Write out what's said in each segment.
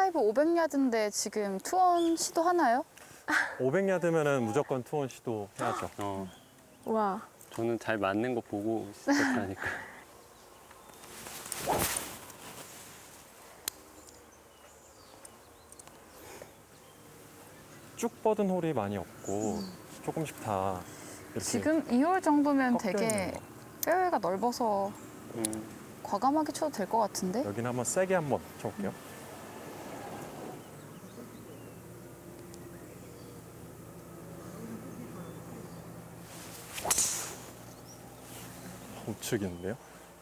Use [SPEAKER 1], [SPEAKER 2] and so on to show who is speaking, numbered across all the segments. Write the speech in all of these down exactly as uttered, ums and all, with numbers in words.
[SPEAKER 1] 퍼파이브 오백 야드인데 지금 투원 시도하나요?
[SPEAKER 2] 오백 야드면은 무조건 투혼 시도해야죠.
[SPEAKER 3] 어,
[SPEAKER 4] 와.
[SPEAKER 3] 저는 잘 맞는 거 보고 시작하니까.
[SPEAKER 2] 쭉 뻗은 홀이 많이 없고 조금씩 다 이렇게
[SPEAKER 1] 지금 이 홀 정도면
[SPEAKER 2] 꺾여
[SPEAKER 1] 되게
[SPEAKER 2] 있는 거.
[SPEAKER 1] 페어웨이가 넓어서
[SPEAKER 3] 음,
[SPEAKER 1] 과감하게 쳐도 될 것 같은데?
[SPEAKER 2] 여기는 한번 세게 한번 쳐볼게요. 우측인데요?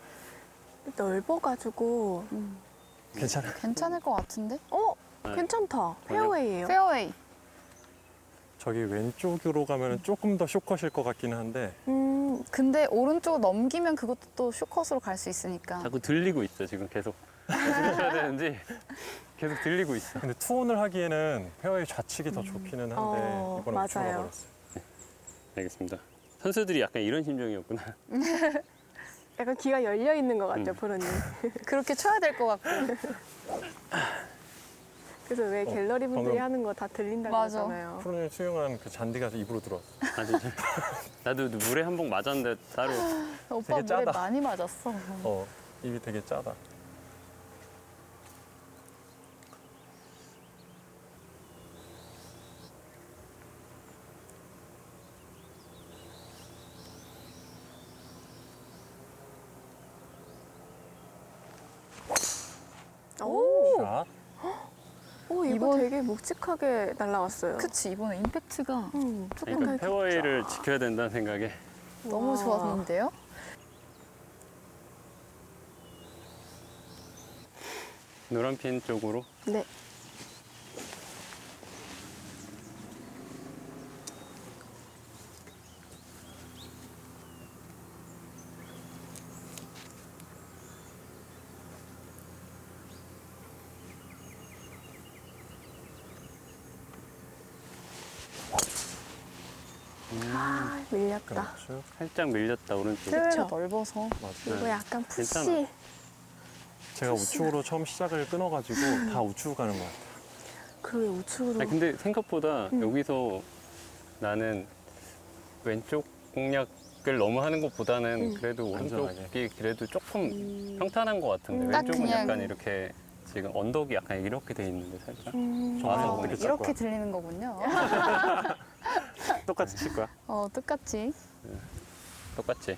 [SPEAKER 4] 넓어가지고.
[SPEAKER 2] 괜찮아요.
[SPEAKER 1] 괜찮을 것 같은데?
[SPEAKER 4] 어?
[SPEAKER 3] 네.
[SPEAKER 4] 괜찮다. 페어웨이예요.
[SPEAKER 1] 페어웨이.
[SPEAKER 2] 저기 왼쪽으로 가면 조금 더 쇼컷일 것 같기는 한데
[SPEAKER 4] 음,
[SPEAKER 1] 근데 오른쪽 넘기면 그것도 또 쇼컷으로 갈 수 있으니까.
[SPEAKER 3] 자꾸 들리고 있어, 지금 계속. 어떻게 쳐야 되는지 계속 들리고 있어.
[SPEAKER 2] 근데 투혼을 하기에는 페어웨이 좌측이 더 좋기는 한데
[SPEAKER 4] 어,
[SPEAKER 2] 이번에
[SPEAKER 4] 맞아요.
[SPEAKER 2] 우측으로 가버렸어요.
[SPEAKER 3] 알겠습니다. 선수들이 약간 이런 심정이었구나.
[SPEAKER 4] 약간 귀가 열려 있는 것 같죠,
[SPEAKER 3] 음.
[SPEAKER 4] 프로님.
[SPEAKER 1] 그렇게 쳐야 될 것 같고.
[SPEAKER 4] 그래서 왜
[SPEAKER 2] 어,
[SPEAKER 4] 갤러리 분들이
[SPEAKER 2] 방금-
[SPEAKER 4] 하는 거 다 들린다고
[SPEAKER 1] 맞아.
[SPEAKER 4] 하잖아요.
[SPEAKER 2] 프로님 수영한 그 잔디가 입으로 들어왔어.
[SPEAKER 3] 아, 진짜. 나도 물에 한 번 맞았는데 따로.
[SPEAKER 1] 오빠 물에
[SPEAKER 2] 짜다.
[SPEAKER 1] 많이 맞았어.
[SPEAKER 2] 어, 입이 되게 짜다.
[SPEAKER 4] 오,
[SPEAKER 2] 자,
[SPEAKER 4] 오 이거
[SPEAKER 1] 이번-
[SPEAKER 4] 되게 묵직하게 날라왔어요.
[SPEAKER 1] 그치, 이번에 임팩트가
[SPEAKER 4] 음, 조금
[SPEAKER 3] 그러니까
[SPEAKER 4] 더
[SPEAKER 3] 페어웨이를 지켜야 된다는 생각에.
[SPEAKER 1] 너무
[SPEAKER 4] 와.
[SPEAKER 1] 좋았는데요?
[SPEAKER 3] 노란 핀 쪽으로.
[SPEAKER 4] 네. 아, 밀렸다.
[SPEAKER 2] 그렇죠.
[SPEAKER 3] 살짝 밀렸다, 오른쪽.
[SPEAKER 1] 페어웨이가
[SPEAKER 4] 그쵸.
[SPEAKER 1] 넓어서.
[SPEAKER 2] 맞아요.
[SPEAKER 4] 이거
[SPEAKER 3] 네.
[SPEAKER 4] 약간 푸시.
[SPEAKER 3] 괜찮아.
[SPEAKER 2] 제가 우측으로 처음 시작을 끊어가지고 다 우측으로 가는 것 같아요.
[SPEAKER 4] 그러게 우측으로.
[SPEAKER 3] 아니, 근데 생각보다
[SPEAKER 4] 음.
[SPEAKER 3] 여기서 나는 왼쪽 공략을 너무 하는 것보다는
[SPEAKER 4] 음.
[SPEAKER 3] 그래도
[SPEAKER 2] 안전하게.
[SPEAKER 3] 오른쪽이 그래도 조금
[SPEAKER 4] 음.
[SPEAKER 3] 평탄한 것 같은데
[SPEAKER 4] 음.
[SPEAKER 1] 딱
[SPEAKER 3] 왼쪽은
[SPEAKER 1] 그냥-
[SPEAKER 3] 약간 이렇게 지금 언덕이 약간 이렇게 돼 있는데 살짝.
[SPEAKER 4] 음.
[SPEAKER 2] 좋아요.
[SPEAKER 3] 아,
[SPEAKER 2] 어떻게 짤
[SPEAKER 1] 이렇게
[SPEAKER 2] 거야?
[SPEAKER 1] 들리는 거군요.
[SPEAKER 2] 똑같이 칠 거야?
[SPEAKER 1] 어, 똑같이.
[SPEAKER 3] 똑같지?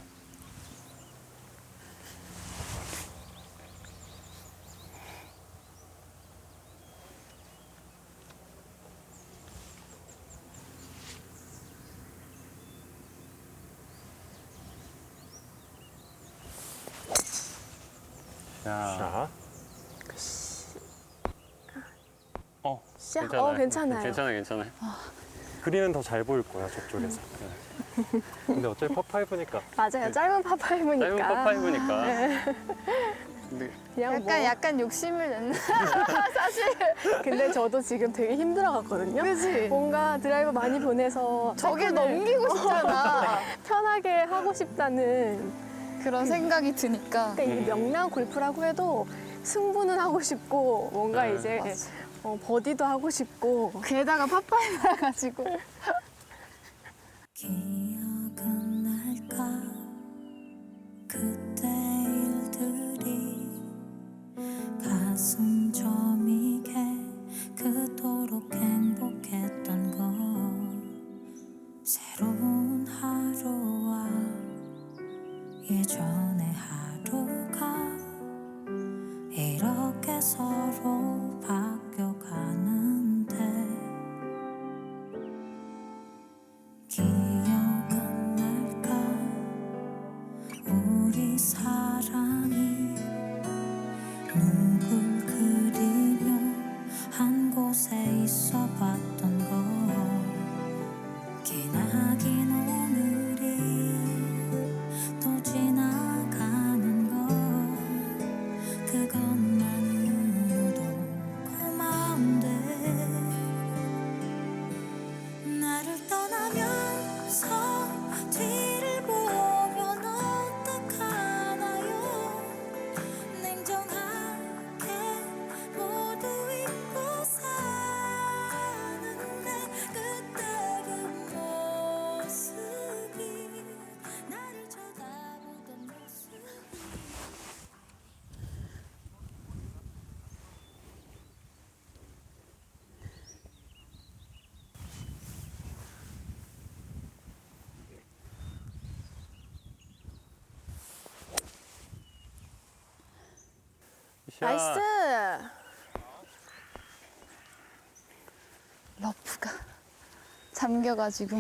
[SPEAKER 3] 자,
[SPEAKER 2] 자,
[SPEAKER 3] 어,
[SPEAKER 4] 샤?
[SPEAKER 3] 괜찮아요.
[SPEAKER 4] 어, 괜찮아요.
[SPEAKER 3] 괜찮아요, 괜찮아요.
[SPEAKER 2] 그린은 더 잘 보일 거야, 저쪽에서. 근데 어차피 퍼파이브니까
[SPEAKER 4] 맞아요. 짧은 파파이브니까.
[SPEAKER 3] 짧은 퍼파이브니까. 근데
[SPEAKER 4] 그냥
[SPEAKER 1] 약간,
[SPEAKER 4] 뭐.
[SPEAKER 1] 약간 욕심을 냈나?
[SPEAKER 4] 근데 저도 지금 되게 힘들어갔거든요.
[SPEAKER 1] 그치?
[SPEAKER 4] 뭔가 드라이버 많이 보내서
[SPEAKER 1] 저게
[SPEAKER 4] 세컨을
[SPEAKER 1] 넘기고 싶잖아.
[SPEAKER 4] 편하게 하고 싶다는.
[SPEAKER 1] 그런 생각이 드니까.
[SPEAKER 4] 그러니까 이게 명랑 골프라고 해도 승부는 하고 싶고 뭔가
[SPEAKER 3] 네,
[SPEAKER 4] 이제
[SPEAKER 1] 맞아.
[SPEAKER 4] 어, 버디도 하고 싶고.
[SPEAKER 1] 게다가 파파이브 해가지고.
[SPEAKER 5] 기억은 날까 그때 일들이 가슴 저미게 그토록 행복했던 것 새로운 하루와 예전의 하루가 이렇게 서로 바뀌어가는데 기억은 날까 우리 사랑이 누굴 그리며 한 곳에 있어 봤던 것 기나긴 오늘이 또 지나가는 것 그것만으로도 고마워
[SPEAKER 3] 샷.
[SPEAKER 4] 나이스.
[SPEAKER 1] 러프가 잠겨가지고.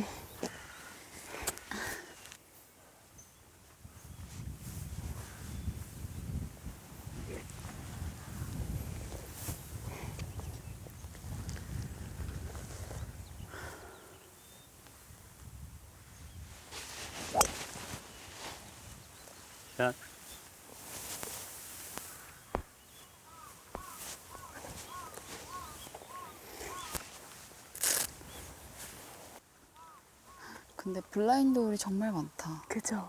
[SPEAKER 3] 샷.
[SPEAKER 1] 근데 블라인드 홀이 정말 많다.
[SPEAKER 4] 그죠.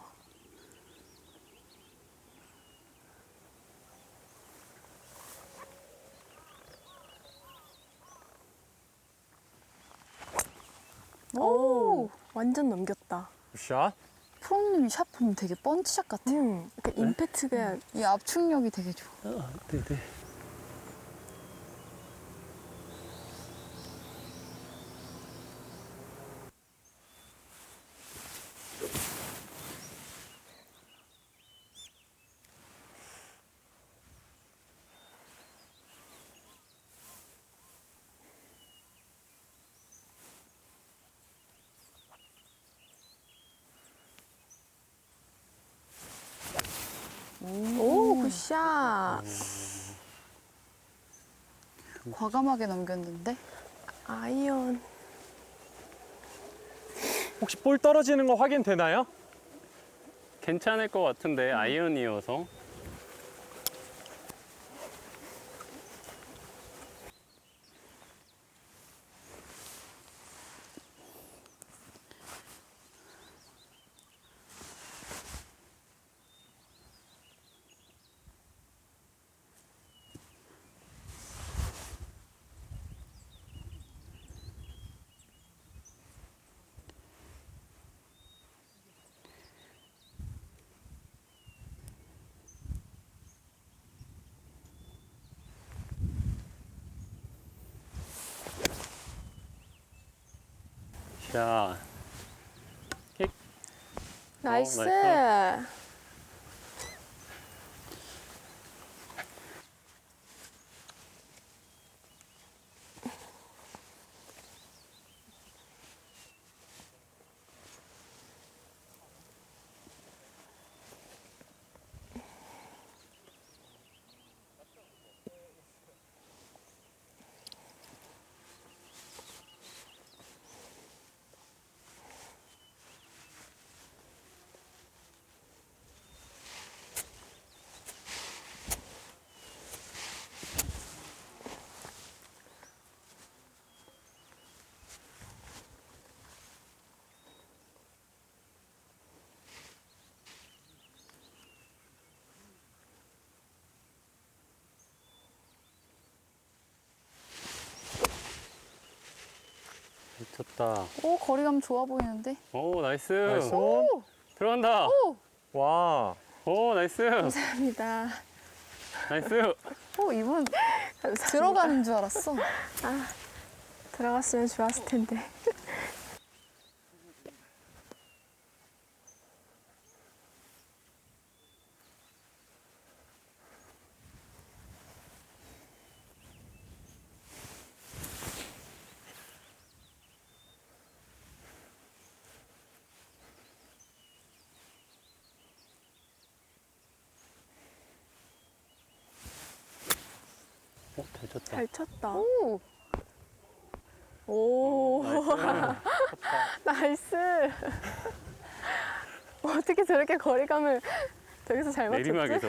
[SPEAKER 4] 오, 완전 넘겼다.
[SPEAKER 2] 굿샷.
[SPEAKER 1] 프로님이 샷 보면 되게 펀치샷 같아.
[SPEAKER 4] 음, 그 임팩트가
[SPEAKER 1] 이 압축력이 되게 좋아.
[SPEAKER 3] 아, 네네.
[SPEAKER 4] 오, 굿샷.
[SPEAKER 1] 과감하게 넘겼는데.
[SPEAKER 4] 아이언.
[SPEAKER 2] 혹시 볼 떨어지는 거 확인되나요?
[SPEAKER 3] 괜찮을 것 같은데 아이언이어서. 샷. 킥.
[SPEAKER 4] 나이스.
[SPEAKER 3] 어, 나이스. 미쳤다.
[SPEAKER 1] 오, 거리감 좋아 보이는데.
[SPEAKER 3] 오, 나이스.
[SPEAKER 2] 나이스 온.
[SPEAKER 3] 들어간다.
[SPEAKER 2] 와.
[SPEAKER 3] 오, 나이스.
[SPEAKER 4] 감사합니다.
[SPEAKER 3] 나이스.
[SPEAKER 1] 오, 이분
[SPEAKER 4] 감사합니다.
[SPEAKER 1] 들어가는 줄 알았어.
[SPEAKER 4] 들어갔으면 좋았을 텐데.
[SPEAKER 3] 오, 잘 쳤다.
[SPEAKER 4] 잘 쳤다.
[SPEAKER 1] 오,
[SPEAKER 4] 오, 나이스. 어떻게 저렇게 거리감을 저기서 잘 맞췄지?
[SPEAKER 3] 내리막에서.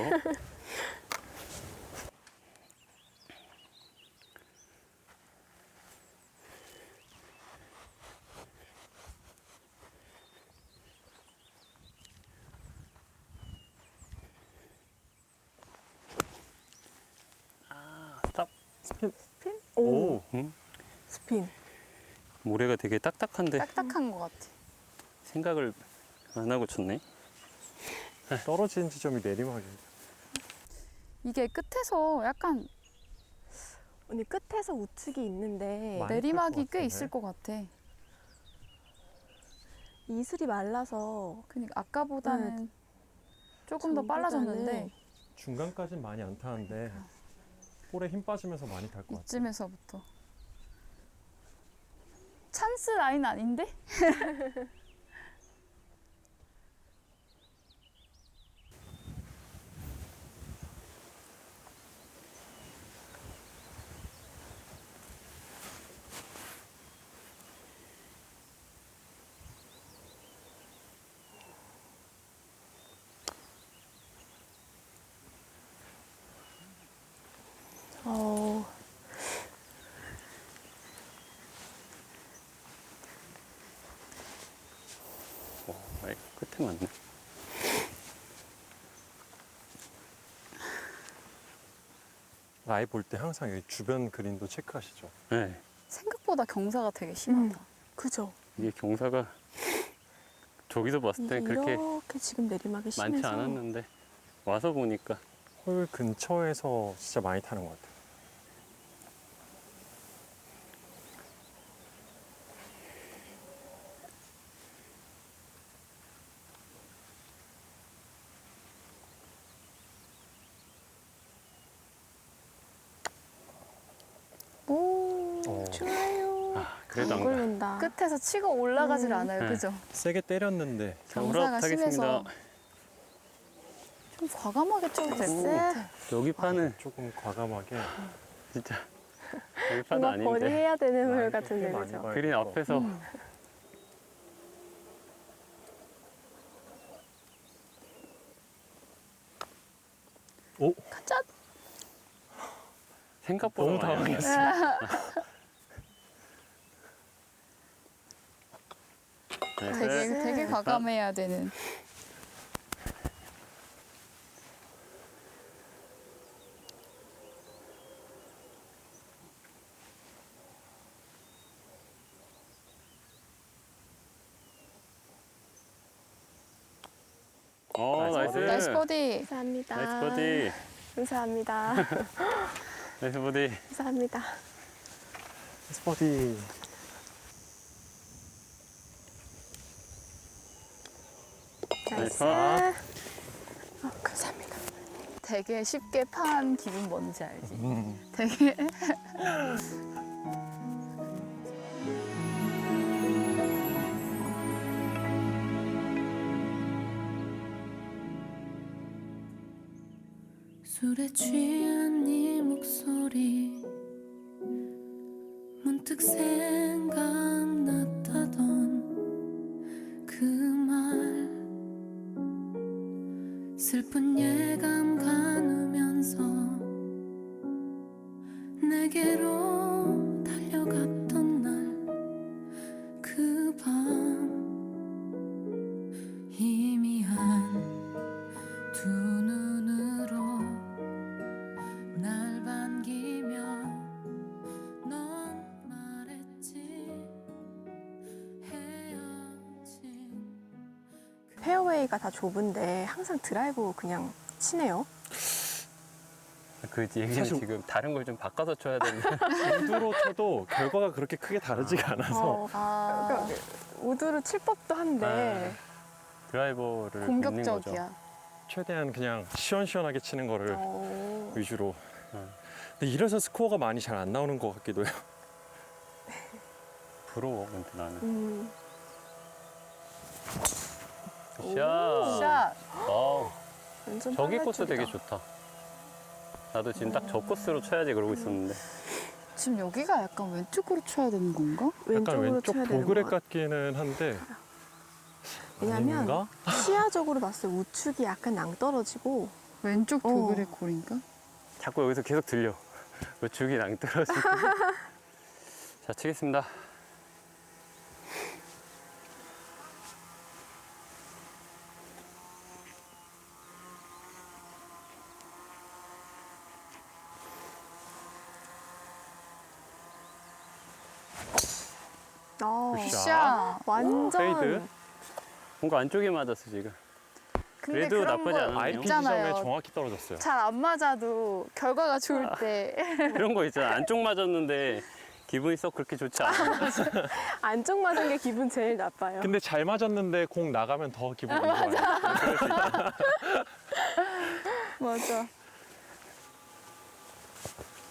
[SPEAKER 3] 아, 스탑.
[SPEAKER 4] 스핀?
[SPEAKER 2] 오.
[SPEAKER 4] 오,
[SPEAKER 3] 응?
[SPEAKER 4] 스핀.
[SPEAKER 3] 모래가 되게 딱딱한데
[SPEAKER 1] 딱딱한 것 같아.
[SPEAKER 3] 생각을 안 하고 쳤네.
[SPEAKER 2] 떨어지는 지점이 내리막이에요.
[SPEAKER 1] 이게 끝에서 약간
[SPEAKER 4] 언니 끝에서 우측이 있는데
[SPEAKER 2] 많이
[SPEAKER 1] 내리막이
[SPEAKER 2] 클것
[SPEAKER 1] 꽤
[SPEAKER 2] 같은데?
[SPEAKER 1] 있을 것 같아.
[SPEAKER 4] 이슬이 말라서
[SPEAKER 1] 그러니까 아까보다는 조금 더
[SPEAKER 4] 전보다는
[SPEAKER 1] 빨라졌는데
[SPEAKER 2] 중간까지는 많이 안 타는데 볼에 힘 빠지면서 많이 탈 것 같아요.
[SPEAKER 1] 이쯤에서부터. 찬스 라인 아닌데?
[SPEAKER 4] 어,
[SPEAKER 3] 어, 아이, 끝에 맞네.
[SPEAKER 2] 라이 볼 때 항상 여기 주변 그린도 체크하시죠?
[SPEAKER 3] 네,
[SPEAKER 1] 생각보다 경사가 되게 심하다.
[SPEAKER 4] 그죠?
[SPEAKER 3] 이게 경사가 저기서 봤을 때
[SPEAKER 4] 이게
[SPEAKER 3] 그렇게
[SPEAKER 4] 이렇게 지금 내리막이 심해서
[SPEAKER 3] 많지 않았는데 와서 보니까
[SPEAKER 2] 홀 근처에서 진짜 많이 타는 것 같아요.
[SPEAKER 1] 오,
[SPEAKER 2] 어,
[SPEAKER 4] 좋아요.
[SPEAKER 3] 아, 그래도
[SPEAKER 4] 안
[SPEAKER 3] 안 가.
[SPEAKER 4] 굴른다.
[SPEAKER 1] 끝에서 치고 올라가질
[SPEAKER 4] 음.
[SPEAKER 1] 않아요.
[SPEAKER 3] 네.
[SPEAKER 1] 그죠?
[SPEAKER 2] 세게 때렸는데
[SPEAKER 3] 자,
[SPEAKER 1] 경사가
[SPEAKER 3] 허락하겠습니다.
[SPEAKER 1] 심해서 좀 과감하게 쳐도 될 것 같아.
[SPEAKER 3] 여기 판은
[SPEAKER 2] 조금 과감하게
[SPEAKER 3] 진짜 여기 판은
[SPEAKER 4] 뭔가 버디
[SPEAKER 3] 아닌데
[SPEAKER 4] 해야 되는 홀
[SPEAKER 2] 라인도
[SPEAKER 4] 같은데
[SPEAKER 2] 꽤 많이
[SPEAKER 4] 그죠?
[SPEAKER 2] 봐야
[SPEAKER 3] 그린
[SPEAKER 2] 돼서.
[SPEAKER 3] 앞에서
[SPEAKER 1] 음.
[SPEAKER 2] 오!
[SPEAKER 1] 가자.
[SPEAKER 3] 생각보다
[SPEAKER 2] 너무
[SPEAKER 3] 많이 안
[SPEAKER 2] 당황했어.
[SPEAKER 3] 네,
[SPEAKER 1] 되게
[SPEAKER 3] 네.
[SPEAKER 1] 되게 과감해야 되는.
[SPEAKER 3] 어,
[SPEAKER 2] 나이스
[SPEAKER 3] 나이스.
[SPEAKER 1] 나이스 버디.
[SPEAKER 4] 감사합니다.
[SPEAKER 3] 나이스 버디.
[SPEAKER 4] 감사합니다.
[SPEAKER 3] 나이스 버디.
[SPEAKER 4] 감사합니다.
[SPEAKER 2] 스퍼디.
[SPEAKER 4] 나이스.
[SPEAKER 3] 아.
[SPEAKER 4] 어, 감사합니다.
[SPEAKER 1] 되게 쉽게 판 기분 뭔지 알지?
[SPEAKER 2] 음.
[SPEAKER 1] 되게
[SPEAKER 5] 술에 취한 네 목소리 문득 생각났다던 그 말 슬픈 예감 가누면서 내게로 달려갔던 날 그 밤 희미한 두 눈으로 날 반기며 넌 말했지 헤어진
[SPEAKER 4] 페어웨이가 다 좁은데 항상 드라이브 그냥 치네요.
[SPEAKER 3] 그 얘기는
[SPEAKER 2] 사실-
[SPEAKER 3] 지금 다른 걸 좀 바꿔서 쳐야 되는데
[SPEAKER 2] 우드로 쳐도 결과가 그렇게 크게 다르지가 않아서
[SPEAKER 4] 어,
[SPEAKER 1] 아,
[SPEAKER 4] 그러니까 우드로 칠 법도 한데
[SPEAKER 3] 드라이버를 믿는 거죠.
[SPEAKER 1] 공격적이야.
[SPEAKER 2] 최대한 그냥 시원시원하게 치는 거를
[SPEAKER 4] 어,
[SPEAKER 2] 위주로.
[SPEAKER 3] 어.
[SPEAKER 2] 근데 이래서 스코어가 많이 잘 안 나오는 것 같기도 해요.
[SPEAKER 3] 부러워 근데 나는.
[SPEAKER 4] 음,
[SPEAKER 3] 샷.
[SPEAKER 1] 샷.
[SPEAKER 3] 와우.
[SPEAKER 4] 완전
[SPEAKER 3] 저기 코스
[SPEAKER 4] 빨라집니다.
[SPEAKER 3] 되게 좋다. 나도 지금 딱 저 코스로 쳐야지 그러고 있었는데.
[SPEAKER 1] 지금 여기가 약간 왼쪽으로 쳐야 되는 건가?
[SPEAKER 2] 약간
[SPEAKER 4] 왼쪽으로
[SPEAKER 2] 왼쪽
[SPEAKER 4] 쳐야 되는
[SPEAKER 2] 보그레
[SPEAKER 4] 것 같아요.
[SPEAKER 2] 같기는 한데
[SPEAKER 4] 왜냐면
[SPEAKER 2] 아닌가?
[SPEAKER 4] 시야적으로 봤을 때 우측이 약간 낭떨어지고
[SPEAKER 1] 왼쪽
[SPEAKER 4] 어.
[SPEAKER 1] 도그레 콜인가?
[SPEAKER 3] 자꾸 여기서 계속 들려. 왜 죽이 낭떠러지고. 자, 치겠습니다.
[SPEAKER 4] 어,
[SPEAKER 2] 굿샷.
[SPEAKER 1] 샷.
[SPEAKER 4] 완전
[SPEAKER 2] 페이드.
[SPEAKER 3] 뭔가 안쪽에 맞았어, 지금.
[SPEAKER 1] 근데
[SPEAKER 3] 그래도
[SPEAKER 1] 그런
[SPEAKER 3] 나쁘지
[SPEAKER 1] 거
[SPEAKER 3] 않았네요.
[SPEAKER 2] 아이피
[SPEAKER 1] 있잖아요.
[SPEAKER 2] 지점에 정확히 떨어졌어요.
[SPEAKER 1] 잘 안 맞아도 결과가 좋을 때
[SPEAKER 3] 그런 거 있잖아. 안쪽 맞았는데 기분이 썩 그렇게 좋지 않아.
[SPEAKER 4] 안쪽 맞은 게 기분 제일 나빠요.
[SPEAKER 2] 근데 잘 맞았는데 공 나가면 더 기분 안 좋아요. 그럴 수 있다.
[SPEAKER 1] 맞아.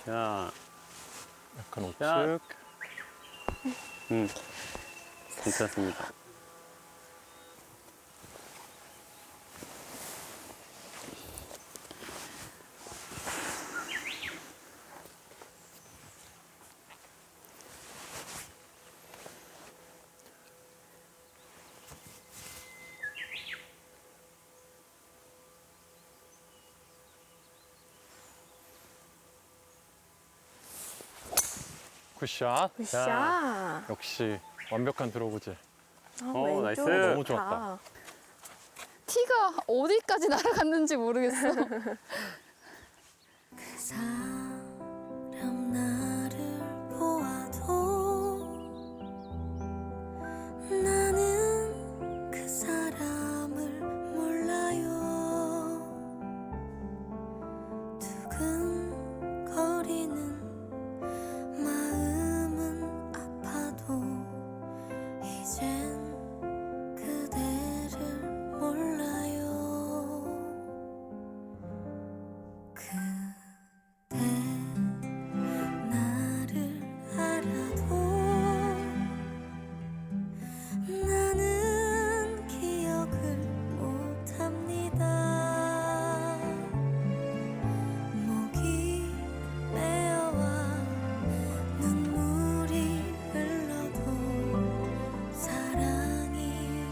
[SPEAKER 3] 자,
[SPEAKER 2] 약간 우측.
[SPEAKER 3] 야. 음, 괜찮습니다.
[SPEAKER 2] 굿샷.
[SPEAKER 4] 굿샷.
[SPEAKER 2] 역시 완벽한 드로우지.
[SPEAKER 4] 아,
[SPEAKER 3] 어,
[SPEAKER 4] 왼쪽
[SPEAKER 3] 나이스.
[SPEAKER 4] 좋다.
[SPEAKER 2] 너무 좋았다.
[SPEAKER 1] 티가 어디까지 날아갔는지 모르겠어.
[SPEAKER 5] 사람 나를 보아도 나는 그 사람을 몰라요. 두근거리는 마음은 아파도 이젠 그대를 몰라요. 그대 나를 알아도 나는 기억을 못합니다. 목이 메어와 눈물이 흘러도 사랑이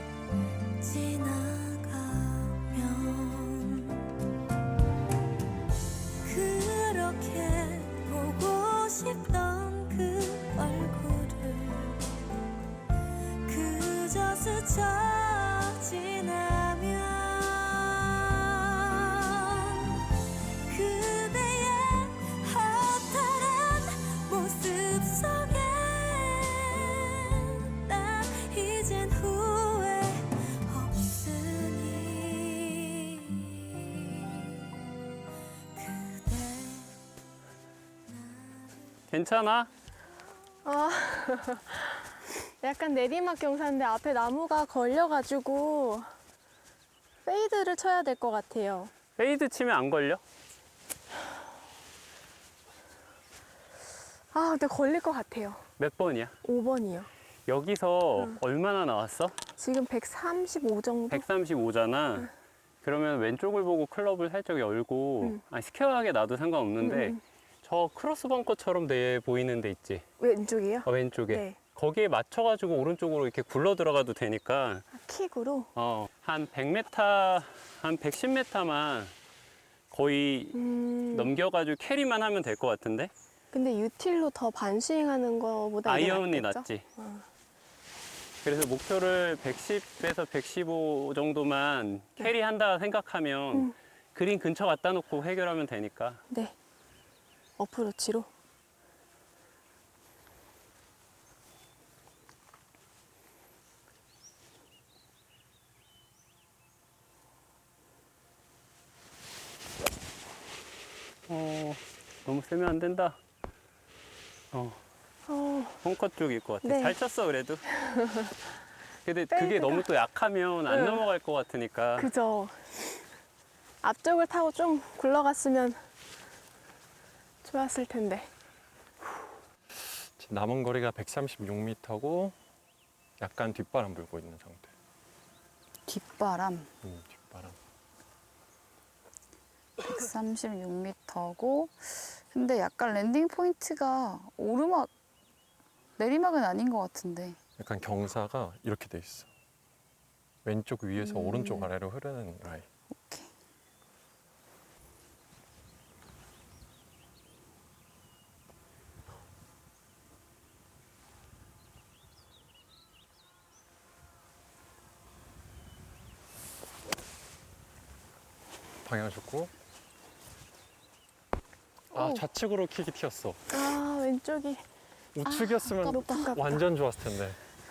[SPEAKER 5] 지나가면 그렇게 보고 싶던 그 얼굴을 그저 스쳐 지나면 그대의 허탈한 모습 속에 난 이젠 후회 없으니 그대
[SPEAKER 3] 괜찮아?
[SPEAKER 4] 아, 약간 내리막 경사인데 앞에 나무가 걸려가지고 페이드를 쳐야 될 것 같아요.
[SPEAKER 3] 페이드 치면 안 걸려?
[SPEAKER 4] 아, 근데 걸릴 것 같아요.
[SPEAKER 3] 몇 번이야?
[SPEAKER 4] 오 번이요.
[SPEAKER 3] 여기서 얼마나 나왔어?
[SPEAKER 4] 지금 백삼십오 정도?
[SPEAKER 3] 백삼십오잖아. 그러면 왼쪽을 보고 클럽을 살짝 열고,
[SPEAKER 4] 음.
[SPEAKER 3] 아니, 스퀘어하게 놔도 상관없는데,
[SPEAKER 4] 음, 음.
[SPEAKER 3] 저 크로스 벙커처럼 돼 보이는 데 있지?
[SPEAKER 4] 왼쪽이요?
[SPEAKER 3] 어, 왼쪽에.
[SPEAKER 4] 네.
[SPEAKER 3] 거기에 맞춰가지고 오른쪽으로 이렇게 굴러 들어가도 되니까,
[SPEAKER 4] 아, 킥으로?
[SPEAKER 3] 어, 한 백 미터, 한 백십 미터만 거의
[SPEAKER 4] 음,
[SPEAKER 3] 넘겨가지고 캐리만 하면 될 것 같은데?
[SPEAKER 4] 근데 유틸로 더 반스윙하는 거보다 이게
[SPEAKER 3] 아이언이
[SPEAKER 4] 낫겠죠?
[SPEAKER 3] 낫지.
[SPEAKER 4] 어.
[SPEAKER 3] 그래서 목표를 백십에서 백십오 정도만 캐리한다 생각하면
[SPEAKER 4] 음.
[SPEAKER 3] 그린 근처 갖다 놓고 해결하면 되니까.
[SPEAKER 4] 네. 어프로치로?
[SPEAKER 3] 어, 너무 세면 안 된다. 어,
[SPEAKER 4] 어,
[SPEAKER 3] 벙커 쪽일 것 같아.
[SPEAKER 4] 네.
[SPEAKER 3] 잘 쳤어, 그래도. 근데 그게
[SPEAKER 4] 페이드가-
[SPEAKER 3] 너무 또 약하면 안
[SPEAKER 4] 응.
[SPEAKER 3] 넘어갈 것 같으니까.
[SPEAKER 4] 그죠. 앞쪽을 타고 좀 굴러갔으면 좋았을 텐데.
[SPEAKER 2] 지금 남은 거리가 백삼십육 미터고 약간 뒷바람 불고 있는 상태.
[SPEAKER 1] 뒷바람
[SPEAKER 2] 음, 뒷바람.
[SPEAKER 1] 백삼십육 미터고 근데 약간 랜딩 포인트가 오르막 내리막은 아닌 것 같은데.
[SPEAKER 2] 약간 경사가 이렇게 돼 있어. 왼쪽 위에서
[SPEAKER 1] 음.
[SPEAKER 2] 오른쪽 아래로 흐르는 라인.
[SPEAKER 1] 오케이.
[SPEAKER 2] 방향 좋고. 아,
[SPEAKER 4] 오.
[SPEAKER 2] 좌측으로 킥이 튀었어.
[SPEAKER 4] 아, 왼쪽이.
[SPEAKER 2] 우측이었으면
[SPEAKER 4] 아깝다, 아깝다.
[SPEAKER 2] 완전 좋았을 텐데.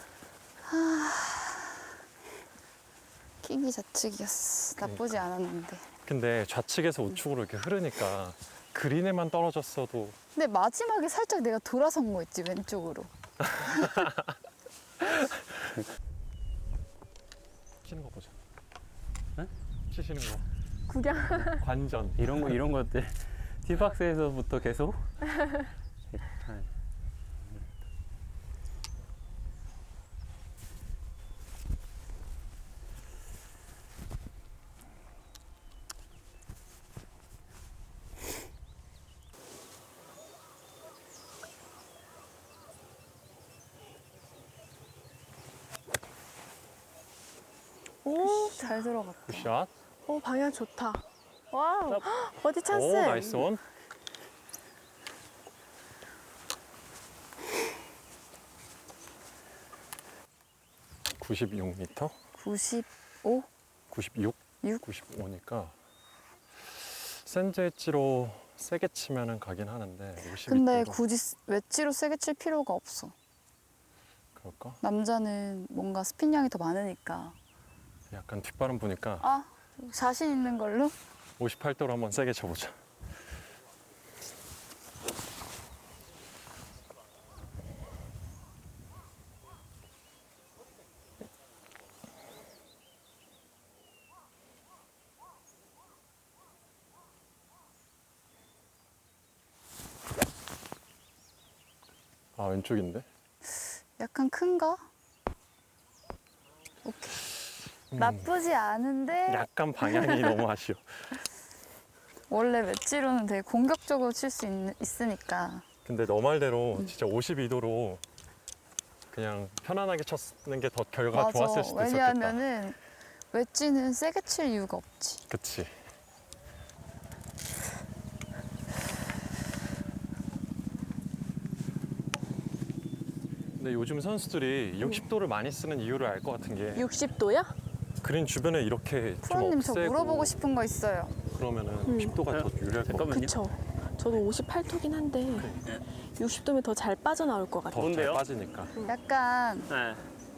[SPEAKER 1] 킥이 좌측이었어. 나쁘지 않았는데.
[SPEAKER 2] 근데 좌측에서 우측으로 이렇게 흐르니까 그린에만 떨어졌어도
[SPEAKER 1] 근데 마지막에 살짝 내가 돌아선 거 있지, 왼쪽으로.
[SPEAKER 2] 치는 거 보자.
[SPEAKER 3] 네?
[SPEAKER 2] 치시는 거.
[SPEAKER 4] 구경.
[SPEAKER 2] 관전.
[SPEAKER 3] 이런 거, 이런 것들. 티박스에서부터 계속
[SPEAKER 4] 오,
[SPEAKER 1] 잘 들어갔다.
[SPEAKER 2] 굿샷.
[SPEAKER 4] 오 방향 좋다. 와우.
[SPEAKER 2] 짭.
[SPEAKER 4] 버디 찬스.
[SPEAKER 2] 오, 나이스 온. 구십육 미터?
[SPEAKER 1] 구십오?
[SPEAKER 2] 구십육?
[SPEAKER 1] 육?
[SPEAKER 2] 구십오니까 샌드 엣지로 세게 치면은 가긴 하는데 오십이
[SPEAKER 1] 근데
[SPEAKER 2] 도로
[SPEAKER 1] 굳이 스- 웨지로 세게 칠 필요가 없어.
[SPEAKER 2] 그럴까?
[SPEAKER 1] 남자는 뭔가 스핀량이 더 많으니까.
[SPEAKER 2] 약간 뒷바람 보니까
[SPEAKER 1] 아, 자신 있는 걸로?
[SPEAKER 2] 오십팔 도로 한번 세게 쳐보자. 아, 왼쪽인데?
[SPEAKER 1] 약간 큰가? 오케이. 나쁘지 않은데
[SPEAKER 2] 약간 방향이 너무 아쉬워.
[SPEAKER 1] 원래 웨지로는 되게 공격적으로 칠 수 있으니까.
[SPEAKER 2] 근데 너 말대로 진짜 오십이 도로 그냥 편안하게 쳤는 게 더 결과가
[SPEAKER 1] 맞아.
[SPEAKER 2] 좋았을 수도 있었겠다.
[SPEAKER 1] 왜냐하면은 웨지는 세게 칠 이유가 없지.
[SPEAKER 2] 그치. 근데 요즘 선수들이 육십 도를 많이 쓰는 이유를 알 것 같은 게
[SPEAKER 4] 육십 도야?
[SPEAKER 2] 그린 주변에 이렇게 좀
[SPEAKER 1] 프로님 저
[SPEAKER 2] 없애고
[SPEAKER 1] 물어보고 싶은 거 있어요.
[SPEAKER 2] 그러면은
[SPEAKER 4] 음.
[SPEAKER 2] 육십 도가 더 유리할 것 같아.
[SPEAKER 3] 잠깐만요.
[SPEAKER 4] 그쵸. 저도 오십팔 토긴 한데 육십 도면 더 잘 빠져나올 것 같아요.
[SPEAKER 2] 더잘
[SPEAKER 3] 뭔데요?
[SPEAKER 2] 빠지니까.
[SPEAKER 1] 약간
[SPEAKER 3] 네.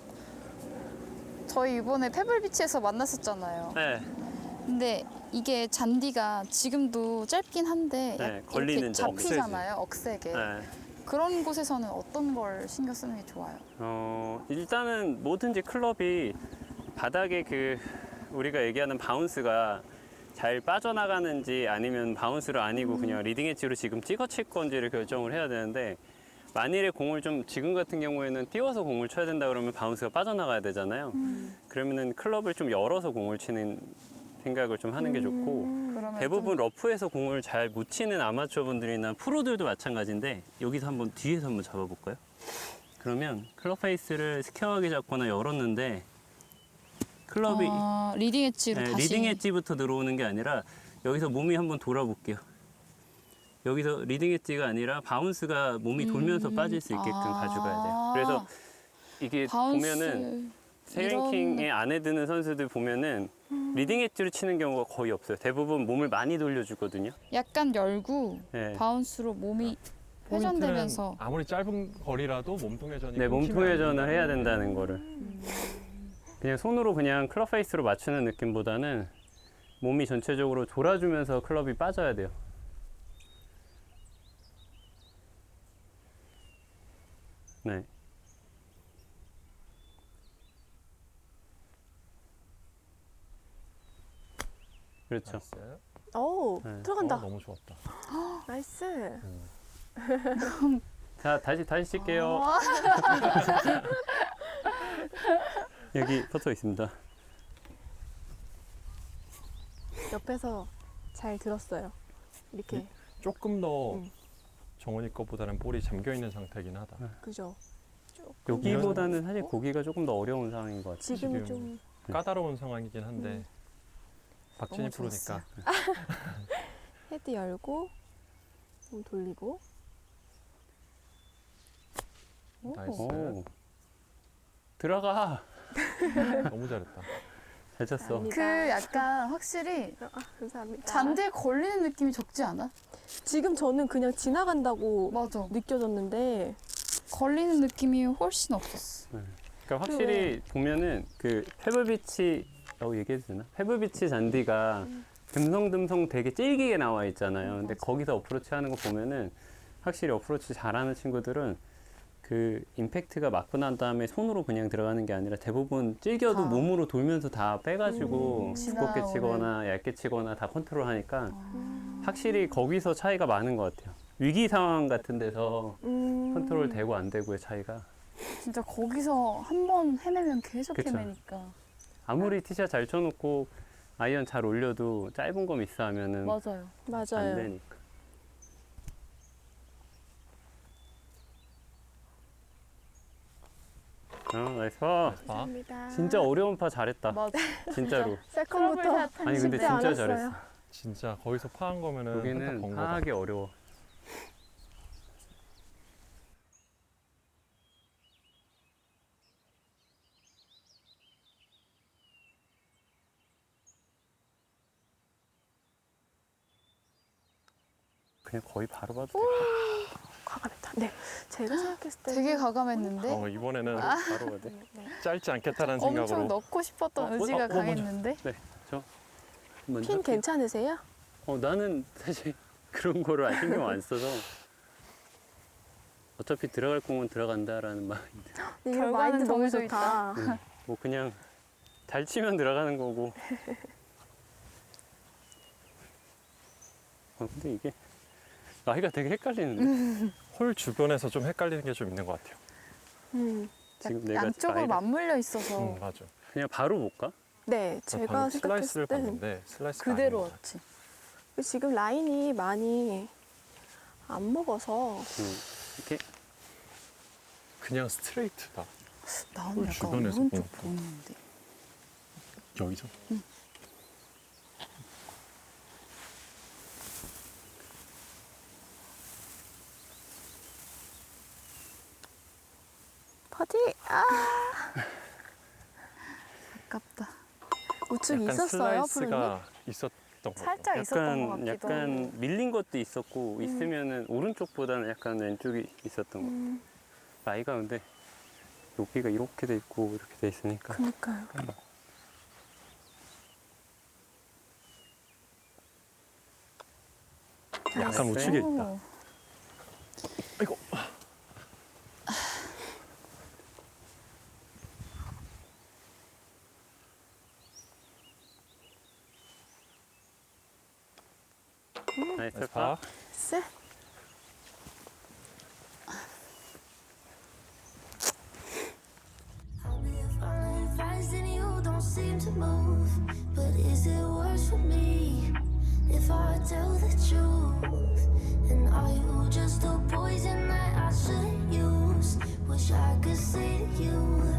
[SPEAKER 1] 저희 이번에 페블비치에서 만났었잖아요.
[SPEAKER 3] 네.
[SPEAKER 1] 근데 이게 잔디가 지금도 짧긴 한데
[SPEAKER 3] 네,
[SPEAKER 1] 약-
[SPEAKER 3] 걸리는
[SPEAKER 1] 이렇게
[SPEAKER 3] 잔디.
[SPEAKER 1] 잡히잖아요. 억세게.
[SPEAKER 3] 네.
[SPEAKER 1] 그런 곳에서는 어떤 걸 신경 쓰는 게 좋아요?
[SPEAKER 3] 어, 일단은 뭐든지 클럽이 바닥에 그 우리가 얘기하는 바운스가 잘 빠져나가는지 아니면 바운스를 아니고 그냥 리딩 엣지로 지금 찍어 칠 건지를 결정을 해야 되는데 만일에 공을 좀 지금 같은 경우에는 띄워서 공을 쳐야 된다 그러면 바운스가 빠져나가야 되잖아요. 그러면은 클럽을 좀 열어서 공을 치는 생각을 좀 하는 게 좋고
[SPEAKER 1] 그러면
[SPEAKER 3] 대부분 러프에서 공을 잘 못 치는 아마추어 분들이나 프로들도 마찬가지인데 여기서 한번 뒤에서 한번 잡아볼까요? 그러면 클럽 페이스를 스퀘어하게 잡거나 열었는데 클럽이
[SPEAKER 1] 아, 리딩 엣지로
[SPEAKER 3] 네,
[SPEAKER 1] 다시
[SPEAKER 3] 리딩 엣지부터 들어오는 게 아니라 여기서 몸이 한번 돌아볼게요. 여기서 리딩 엣지가 아니라 바운스가 몸이 돌면서
[SPEAKER 1] 음.
[SPEAKER 3] 빠질 수 있게끔
[SPEAKER 1] 아.
[SPEAKER 3] 가져가야 돼요. 그래서 이게
[SPEAKER 1] 바운스
[SPEAKER 3] 보면은 세랭킹에 안에 드는 선수들 보면은 리딩 엣지로 치는 경우가 거의 없어요. 대부분 몸을 많이 돌려주거든요.
[SPEAKER 1] 약간 열고
[SPEAKER 3] 네.
[SPEAKER 1] 바운스로 몸이 회전되면서
[SPEAKER 2] 포인트는 아무리 짧은 거리라도 몸통 회전이
[SPEAKER 3] 네, 몸통
[SPEAKER 2] 끊기면
[SPEAKER 3] 회전을 해야 된다는 거를. 그냥 손으로 그냥 클럽 페이스로 맞추는 느낌보다는 몸이 전체적으로 돌아주면서 클럽이 빠져야 돼요. 네. 그렇죠.
[SPEAKER 2] 나이스.
[SPEAKER 4] 오
[SPEAKER 3] 네.
[SPEAKER 4] 들어간다.
[SPEAKER 2] 어, 너무 좋았다.
[SPEAKER 4] 나이스.
[SPEAKER 3] 자, 다시 다시 칠게요.
[SPEAKER 1] 아,
[SPEAKER 3] 여기 포토 있습니다.
[SPEAKER 4] 옆에서 잘 들었어요. 이렇게
[SPEAKER 2] 조금 더
[SPEAKER 4] 음.
[SPEAKER 2] 정원이 거보다는 볼이 잠겨 있는 상태긴 하다.
[SPEAKER 4] 그죠. 조금
[SPEAKER 3] 여기보다는 사실 고기가 조금 더 어려운 상황인 것 같아요.
[SPEAKER 4] 지금은
[SPEAKER 2] 지금
[SPEAKER 4] 좀
[SPEAKER 2] 까다로운 상황이긴 한데
[SPEAKER 4] 음.
[SPEAKER 2] 박진희
[SPEAKER 1] 너무
[SPEAKER 2] 프로니까
[SPEAKER 4] 헤드 열고 몸 돌리고. 오.
[SPEAKER 2] 나이스.
[SPEAKER 3] 오. 들어가.
[SPEAKER 2] 너무 잘했다.
[SPEAKER 3] 잘 쳤어.
[SPEAKER 4] 감사합니다.
[SPEAKER 1] 그 약간 확실히
[SPEAKER 4] 아, 감사합니다.
[SPEAKER 1] 잔디에 걸리는 느낌이 적지 않아?
[SPEAKER 4] 지금 저는 그냥 지나간다고
[SPEAKER 1] 맞아.
[SPEAKER 4] 느껴졌는데
[SPEAKER 1] 걸리는 느낌이 훨씬 없었어.
[SPEAKER 3] 그러니까 확실히 보면은 그 페블비치라고 얘기해도 되나? 페블비치 잔디가 듬성듬성 되게 질기게 나와 있잖아요. 근데 거기서 어프로치 하는 거 보면은 확실히 어프로치 잘하는 친구들은 그 임팩트가 맞고 난 다음에 손으로 그냥 들어가는 게 아니라 대부분 질겨도
[SPEAKER 1] 다.
[SPEAKER 3] 몸으로 돌면서 다 빼가지고
[SPEAKER 1] 음,
[SPEAKER 3] 두껍게
[SPEAKER 1] 지나오는.
[SPEAKER 3] 치거나 얇게 치거나 다 컨트롤 하니까
[SPEAKER 1] 아.
[SPEAKER 3] 확실히 거기서 차이가 많은 것 같아요. 위기 상황 같은 데서
[SPEAKER 4] 음.
[SPEAKER 3] 컨트롤 되고 안 되고의 차이가
[SPEAKER 1] 진짜 거기서 한 번 헤매면 계속
[SPEAKER 3] 그쵸.
[SPEAKER 1] 헤매니까.
[SPEAKER 3] 아무리 티샷 잘 쳐놓고 아이언 잘 올려도 짧은 거 미스하면은
[SPEAKER 1] 맞아요.
[SPEAKER 3] 안
[SPEAKER 4] 맞아요.
[SPEAKER 3] 되니까. 어, 나이스.
[SPEAKER 2] 아,
[SPEAKER 4] 감사합니다.
[SPEAKER 3] 진짜 어려운 파 잘했다.
[SPEAKER 1] 맞아.
[SPEAKER 3] 진짜로.
[SPEAKER 4] 세컨부터
[SPEAKER 3] 아니 근데
[SPEAKER 4] 쉽지
[SPEAKER 3] 진짜
[SPEAKER 4] 않았어요.
[SPEAKER 3] 잘했어.
[SPEAKER 2] 진짜 거기서 파한 거면은 한타
[SPEAKER 3] 여기는
[SPEAKER 2] 번 거다.
[SPEAKER 3] 파하기 어려워. 그냥 거의 바로 봐도 돼.
[SPEAKER 4] 과감했다. 네, 제가 생각했을 때
[SPEAKER 1] 되게 과감했는데
[SPEAKER 2] 어, 이번에는
[SPEAKER 3] 바로 봐도 돼.
[SPEAKER 4] 네.
[SPEAKER 2] 짧지 않겠다는
[SPEAKER 1] 엄청
[SPEAKER 2] 생각으로
[SPEAKER 1] 넣고 싶었던
[SPEAKER 3] 어,
[SPEAKER 1] 의지가
[SPEAKER 3] 어, 어,
[SPEAKER 1] 강했는데
[SPEAKER 3] 네, 저 먼저
[SPEAKER 4] 핀
[SPEAKER 3] 할게요.
[SPEAKER 4] 괜찮으세요?
[SPEAKER 3] 어, 나는 사실 그런 거를 안 신경 안 써서 어차피 들어갈 공은 들어간다라는 마인드.
[SPEAKER 4] 네, 이거
[SPEAKER 1] 결과는
[SPEAKER 4] 마인드 너무
[SPEAKER 1] 정해져
[SPEAKER 4] 좋다.
[SPEAKER 3] 응. 뭐 그냥 잘 치면 들어가는 거고. 어, 근데 이게 나이가 되게 헷갈리는데
[SPEAKER 2] 홀 주변에서 좀 헷갈리는 게 좀 있는 것 같아요.
[SPEAKER 4] 음.
[SPEAKER 3] 지금 내가
[SPEAKER 1] 양쪽으로
[SPEAKER 3] 나이를-
[SPEAKER 1] 맞물려 있어서
[SPEAKER 2] 음, 맞아.
[SPEAKER 3] 그냥 바로 볼까?
[SPEAKER 4] 네,
[SPEAKER 2] 제가
[SPEAKER 4] 제가
[SPEAKER 2] 방금
[SPEAKER 4] 생각했을
[SPEAKER 2] 슬라이스를
[SPEAKER 4] 때는
[SPEAKER 2] 봤는데 슬라이스
[SPEAKER 1] 그대로 왔지.
[SPEAKER 4] 지금 라인이 많이 안 먹어서
[SPEAKER 3] 음, 이렇게
[SPEAKER 2] 그냥 스트레이트다.
[SPEAKER 1] 나는
[SPEAKER 2] 홀
[SPEAKER 1] 약간
[SPEAKER 2] 주변에서
[SPEAKER 1] 오른쪽
[SPEAKER 2] 보니까.
[SPEAKER 1] 보이는데.
[SPEAKER 2] 여기서.
[SPEAKER 4] 버디 아
[SPEAKER 1] 아깝다.
[SPEAKER 4] 우측
[SPEAKER 2] 약간
[SPEAKER 4] 있었어요, 푸른님?
[SPEAKER 2] 슬라이스가 있었던 것 같아요.
[SPEAKER 1] 살짝 있었던 것
[SPEAKER 3] 약간
[SPEAKER 1] 같기도
[SPEAKER 3] 약간
[SPEAKER 1] 하고.
[SPEAKER 3] 밀린 것도 있었고 있으면은 오른쪽보다는 약간 왼쪽이 있었던 거.
[SPEAKER 4] 음,
[SPEAKER 3] 나이가 근데 여기가 이렇게 돼 있고 이렇게 돼 있으니까
[SPEAKER 4] 그니까요.
[SPEAKER 2] 약간
[SPEAKER 3] 네.
[SPEAKER 2] 우측에 있다.
[SPEAKER 1] 오.
[SPEAKER 2] 아이고.
[SPEAKER 3] 나이스
[SPEAKER 2] 나이스
[SPEAKER 3] 파.
[SPEAKER 2] 파.
[SPEAKER 4] 쎄.
[SPEAKER 5] I'll be falling fast and you don't seem to move. But is it worse for me if I tell the truth? And are you just a poison that I should use? Wish I could say to you